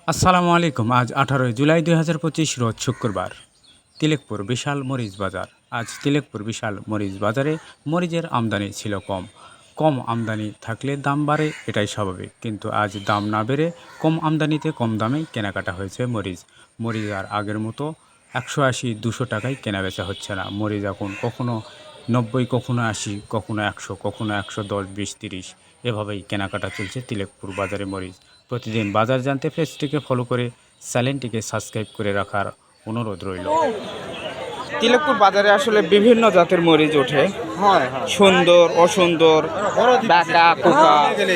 আসসালামু আলাইকুম। আজ 18 জুলাই 2025 রোজ শুক্রবার। তিলেকপুর বিশাল মরিচ বাজার। আজ তিলেকপুর বিশাল মরিচ বাজারে মরিচের আমদানি ছিল কম। কম আমদানি থাকলে দাম বাড়ে, এটাই স্বাভাবিক। কিন্তু আজ দাম না বেড়ে কম আমদানিতে কম দামে কেনাকাটা হয়েছে মরিচ। মরিচ আর আগের মতো 180-200 টাকায় কেনাবেচা হচ্ছে না। মরিচ এখন কখনো 90, কখনো 80, কখনো 100, কখনো 110, 20, 30 এভাবেই কেনাকাটা চলছে তিলেকপুর বাজারে মরিচ। প্রতিদিন বাজার জানতে পেজটিকে ফলো করে চ্যানেলটিকে সাবস্ক্রাইব করে রাখার অনুরোধ রইল। তিলেকপুর বাজারে আসলে বিভিন্ন জাতের মরিচ ওঠে, সুন্দর, অসুন্দর, ডাকা, কোকা।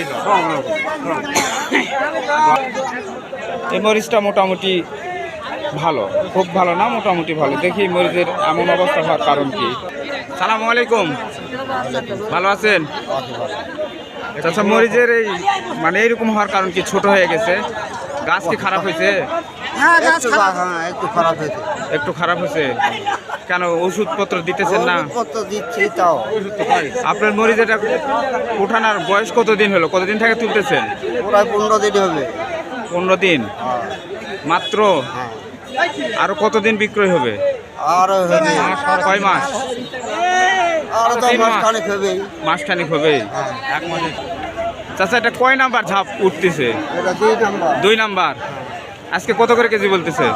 এই মরিচটা মোটামুটি ভালো, খুব ভালো না, মোটামুটি ভালো। দেখি মরিচের এমন অবস্থা হওয়ার কারণ কি। সালামু আলাইকুম, ভালো আছেন? আচ্ছা, মরিচের এই মানে এইরকম হওয়ার কারণ কি? ছোট হয়ে গেছে, গাছ কি খারাপ হয়েছে? একটু খারাপ হয়েছে। কেন ওষুধপত্র দিতেছেন না? আপনার মরিচ এটা উঠানোর বয়স কতদিন হলো? কতদিন থেকে তুলতেছেন? প্রায় 15 দিন হবে। 15 দিন মাত্র? আরো কতদিন বিক্রয় হবে? আর কয় মাস? মাসখানেক হবে। চাচা, এটা কয় নাম্বার ঝাপ উঠতেছে? 2 নাম্বার। আজকে কত করে কেজি বলতেছে?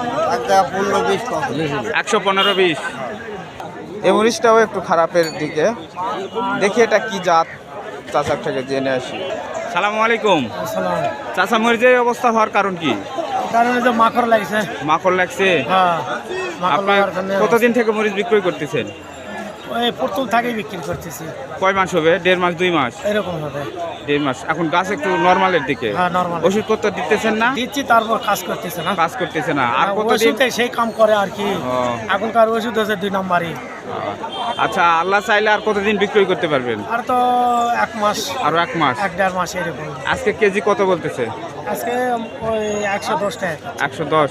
115-20। এই মরিচটাও একটু খারাপের দিকে। দেখি এটা কি জাত, চাচার থেকে জেনে আসি। সালামু আলাইকুম। চাচা, মরিচের অবস্থা হওয়ার কারণ কি? মাকড় লাগছে। মাকড় লাগছে? আপনার কতদিন থেকে মরিচ বিক্রয় করতেছেন? ওই প্রথম থেকেই বিক্রি করতেছি। কয় মাস হবে? 1.5 মাস, 2 মাস এরকম হবে। 1.5 মাস। এখন গাছ একটু নরমালের দিকে। নরমাল। ওষুধপত্র দিতেছেন না? দিচ্ছি, তারপর কাজ করতেছে না। কাজ করতেছে না। আর কতদিন? ওষুধে সেই কাম করে আর কি। এখনকার ওষুধ হচ্ছে 2 নাম্বারই। আচ্ছা, আল্লাহ চাইলে আর কতদিন বিক্রয় করতে পারবেন? আর তো 1 মাস। আরো 1 মাস, 1-1.5 মাস এরকম। আজকে কেজি কত বলতেছে? আজকে ওই 110 টাকা। 110।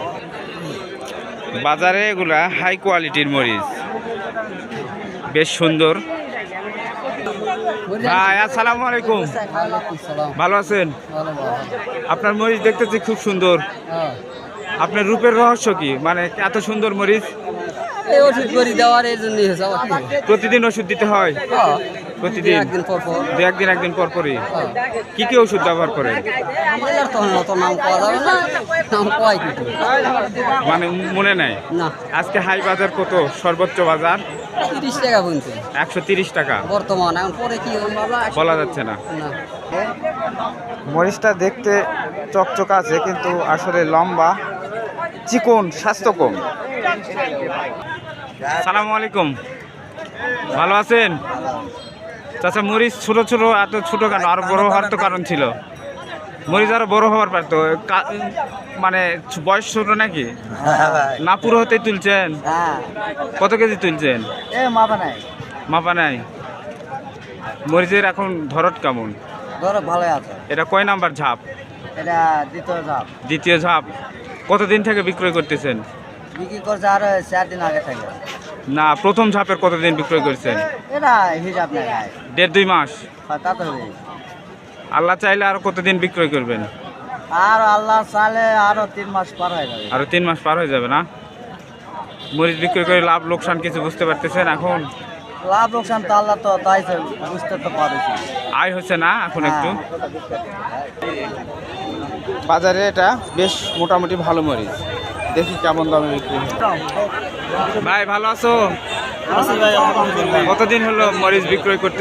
বাজারে এগুলা হাই কোয়ালিটির মরিচ, বেশ সুন্দর। ভাই, আসসালামু আলাইকুম। ভালো আছেন? আপনার মরিচ দেখতেছি খুব সুন্দর। আপনার রূপের রহস্য কি? মানে এত সুন্দর মরিচ? ওষুধ করে দেওয়ার এই জন্য প্রতিদিন ওষুধ দিতে হয়? প্রতিদিন? একদিন পর পরই। কি কি ওষুধ ব্যবহার করেন? মানে মনে নাই? আজকে হাই বাজার কত? সর্বোচ্চ বাজার 30 টাকা পর্যন্ত। 130 টাকা বর্তমান। এখন পরে কি বলা যাচ্ছে না। মরিচটা দেখতে চকচক আছে, কিন্তু আসলে লম্বা, চিকন, স্বাস্থ্য কম। সালামু আলাইকুম, ভালো আছেন? চাচা, মরিচ ছোট ছোট, এত ছোট কেন? আরো বড় হওয়ার তো কারণ ছিল। মরিচ আরো বড় হওয়ার পারতো। মানে বয়স ছোট নাকি? না পুরো হতে তুলছেন? কত কেজি তুলছেন? মাপা নাই। মরিচের এখন ধরত কেমন? ভালো আছে। এটা কয় নাম্বার ঝাপ? এটা দ্বিতীয় ধাপ। দ্বিতীয় ঝাপ। কতদিন থেকে বিক্রয় করতেছেন? বিক্রি করছে আর 4 দিন আগে থেকে। না, প্রথম ঝাপের কতদিন বিক্রয় করছেন? এটা হিসাব নাই। 1.5-2 মাস। তা তো হবে। আল্লাহ চাইলে আরো কতদিন বিক্রয় করবেন? আর আল্লাহ চাইলে আরো 3 মাস পার হয়ে যাবে। আরো 3 মাস পার হয়ে যাবে না? মরিচ বিক্রয় করে লাভ লোকসান কিছু বুঝতে পারতেছেন এখন? লাভ লোকসান তো আল্লাহ তো তাই বুঝতে তো পারছি। আয় হচ্ছে না এখন একটু? বাজারে এটা বেশ মোটামুটি ভালো মরিচ। দেখি কেমন দামে বিক্রি হয়। ভাই, ভালো আছো? কতদিন হলো মরিচ বিক্রয় করতে?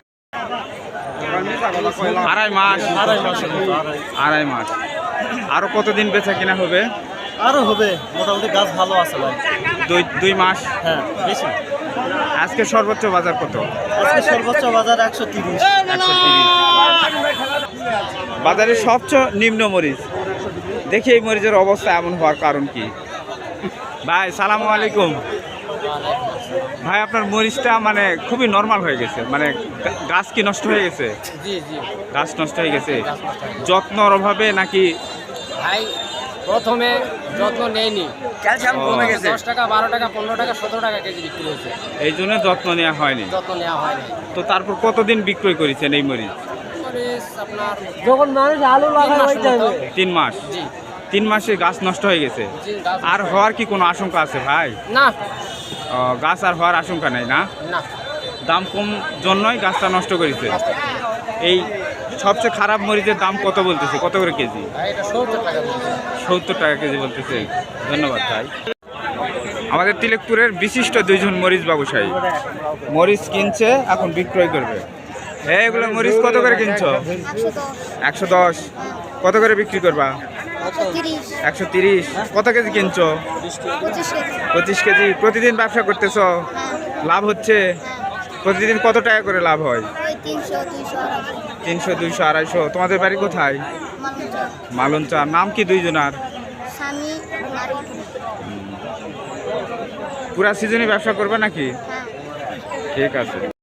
2.5 মাস। 2.5 মাস। আরো কতদিন বেচা কিনা হবে? আরো হবে, মোটামুটি গাছ ভালো আছে ভাই। 2 মাস। হ্যাঁ, বেশি। আজকে সর্বোচ্চ বাজার কত? আজকে সর্বোচ্চ বাজার 130। 130। বাজারের সবচেয়ে নিম্ন মরিচ। দেখি এই মরিচের অবস্থা এমন হওয়ার কারণ কি? ভাই, সালামু আলাইকুম। ভাই, আপনার মরিচটা মানে খুবই নরমাল হয়ে গেছে। মানে গাছ কি নষ্ট হয়ে গেছে? গাছ নষ্ট হয়ে গেছে। যত্নর অভাবে নাকি? ভাই, প্রথমে যত্ন নেয়নি, ক্যালসিয়াম কমে গেছে। 10 টাকা, 12 টাকা, 15 টাকা, 17 টাকা কেজি বিক্রি হয়েছে। এই জন্য যত্ন নেওয়া হয়নি। তো তারপর কতদিন বিক্রয় করেছেন এই মরিচ? আপনার যখন মানুষ আলু লাগায় ওই টাইমে 3 মাস। 3 মাসে গাছ নষ্ট হয়ে গেছে। জি, গাছ আর হওয়ার কি কোনো আশঙ্কা আছে ভাই? না গাছ আর হওয়ার আশঙ্কা নেই না? না দাম কম জন্যই গাছটা নষ্ট করেছে। এই সবচেয়ে খারাপ মরিচের দাম কত বলতেছে, কত করে কেজি? ভাই, এটা 70 টাকা বলছে। 70 টাকা কেজি বলতেছে। ধন্যবাদ ভাই। আমাদের তিলেকপুরের বিশিষ্ট 2 জন মরিচ ব্যবসায়ী মরিচ কিনছে, এখন বিক্রয় করবে। এগুলো মরিচ কত করে কিনছো? 110। কত করে বিক্রি করবা? 130। কত কেজি কিনছো? 25 কেজি। প্রতিদিন ব্যবসা করতেছো, লাভ হচ্ছে? প্রতিদিন কত টাকা করে লাভ হয়? 300, 200, 250। তোমাদের বাড়ি কোথায়? মালঞ্চা। নাম কি 2 জনার? পুরা সিজনে ব্যবসা করবে নাকি? ঠিক আছে।